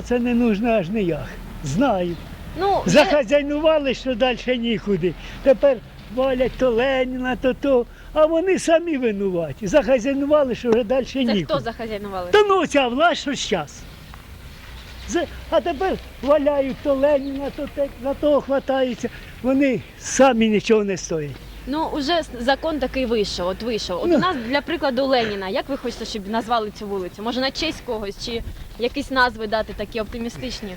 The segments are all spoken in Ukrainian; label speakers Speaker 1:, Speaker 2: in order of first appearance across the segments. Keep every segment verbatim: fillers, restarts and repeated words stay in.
Speaker 1: це не нужно аж ніяк. Знаю.
Speaker 2: Ну, вже-
Speaker 1: Захазяйнували, що далі нікуди. Тепер валять то Леніна, то то. А вони самі винуваті. Захазяйнували, що вже далі
Speaker 2: це
Speaker 1: нікуди.
Speaker 2: хто захазяйнували?
Speaker 1: Та ну ця власть, що зараз. А тепер валяють то Леніна, то те, на того хватаються. Вони самі нічого не стоять.
Speaker 2: Ну, уже с- закон такий вийшов, от вийшов. От
Speaker 1: Ну.
Speaker 2: у нас, для прикладу, Леніна. Як ви хочете, щоб назвали цю вулицю? Може, на честь когось, чи якісь назви дати такі оптимістичні?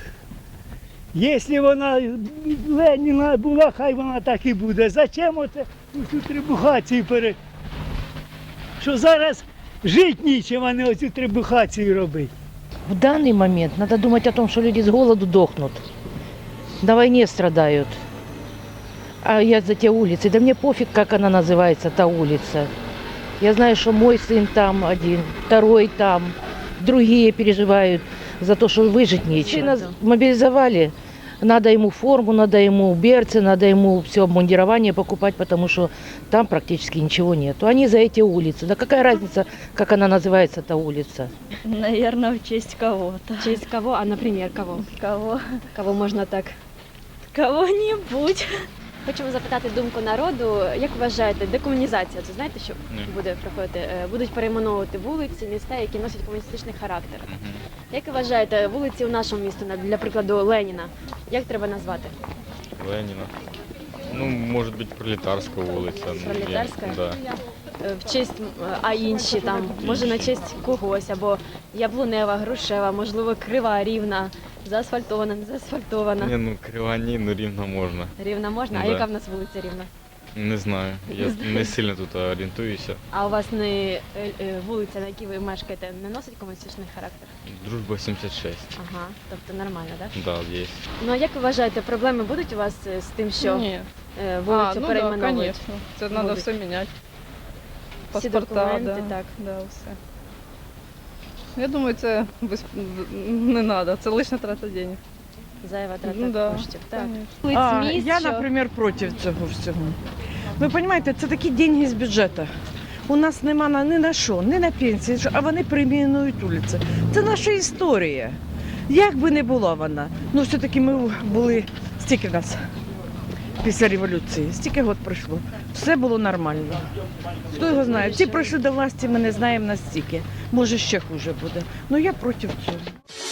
Speaker 1: Якщо вона Леніна була, хай вона так і буде. Зачем оце цю трибухацію пере... Що зараз жити нічим, а не оцю трибухацію робити.
Speaker 3: В данный момент надо думать о том, что люди с голоду дохнут, на войне страдают. А я за те улицы, да мне пофиг, как она называется, та улица. Я знаю, что мой сын там один, второй там, другие переживают за то, что выжить нечего. Сына мобилизовали, надо ему форму, надо ему берцы, надо ему все обмундирование покупать, потому что там практически ничего нету. Они за эти улицы. Да какая разница, как она называется, эта улица?
Speaker 4: Наверное, в честь кого-то.
Speaker 2: В честь кого? А, наприклад, кого?
Speaker 4: Кого?
Speaker 2: Кого можна так?
Speaker 4: Кого-нибудь.
Speaker 2: Хочемо запитати думку народу. Як вважаєте, декомунізація, це знаєте, що
Speaker 5: Ні.
Speaker 2: буде проходити? Е, Будуть перейменовувати вулиці, міста, які носять комуністичний характер. Як ви вважаєте, вулиці у нашому місті, на- для прикладу Леніна, як треба назвати?
Speaker 5: Ленина. Ну, может быть, Пролетарская улица. ну, я-
Speaker 2: Пролетарская?
Speaker 5: Да.
Speaker 2: Е, В честь, м, а інші там, може на
Speaker 5: Інші.
Speaker 2: честь когось, або Яблунева, Грушева, можливо, Крива, Рівна, заасфальтована, не заасфальтована.
Speaker 5: Не, ну, Кривані, ну, Рівно можна.
Speaker 2: Рівна можна? А
Speaker 5: Да.
Speaker 2: яка в нас вулиця Рівна?
Speaker 5: Не знаю, я не сильно тут орієнтуюся.
Speaker 2: А у вас не е, е, вулиця, на якій ви мешкаєте, не носить комуністичний характер?
Speaker 5: Дружба сімдесят шесть.
Speaker 2: Ага, тобто нормально, так?
Speaker 5: Да, є.
Speaker 2: Ну а як ви вважаєте, проблеми будуть у вас е, з тим, що
Speaker 6: Ні.
Speaker 2: е, вулицю
Speaker 6: а, ну да,
Speaker 2: перейменовують?
Speaker 6: конечно. Це треба
Speaker 2: Будуть.
Speaker 6: все міняти.
Speaker 2: Всі
Speaker 6: Паспорта,
Speaker 2: документи,
Speaker 6: да,
Speaker 2: так.
Speaker 6: да, все. Я думаю, це без... не треба, це лише трата денег.
Speaker 2: Зайва трата
Speaker 6: Ну, да,
Speaker 2: коштів. Так.
Speaker 6: конечно.
Speaker 2: Вулиць,
Speaker 7: А,
Speaker 2: міст,
Speaker 7: я,
Speaker 2: що-
Speaker 7: наприклад, проти цього всього. Ви розумієте, це такі деньги з бюджету. У нас нема на, ні на що, ні на пенсії, а вони перейменують вулиці. Це наша історія. Як би не була вона, ну все-таки ми були, стільки нас після революції, стільки років пройшло. Все було нормально. Хто його знає? Ті прийшли до власті, ми не знаємо настільки. Може, ще хуже буде. Ну я проти цього.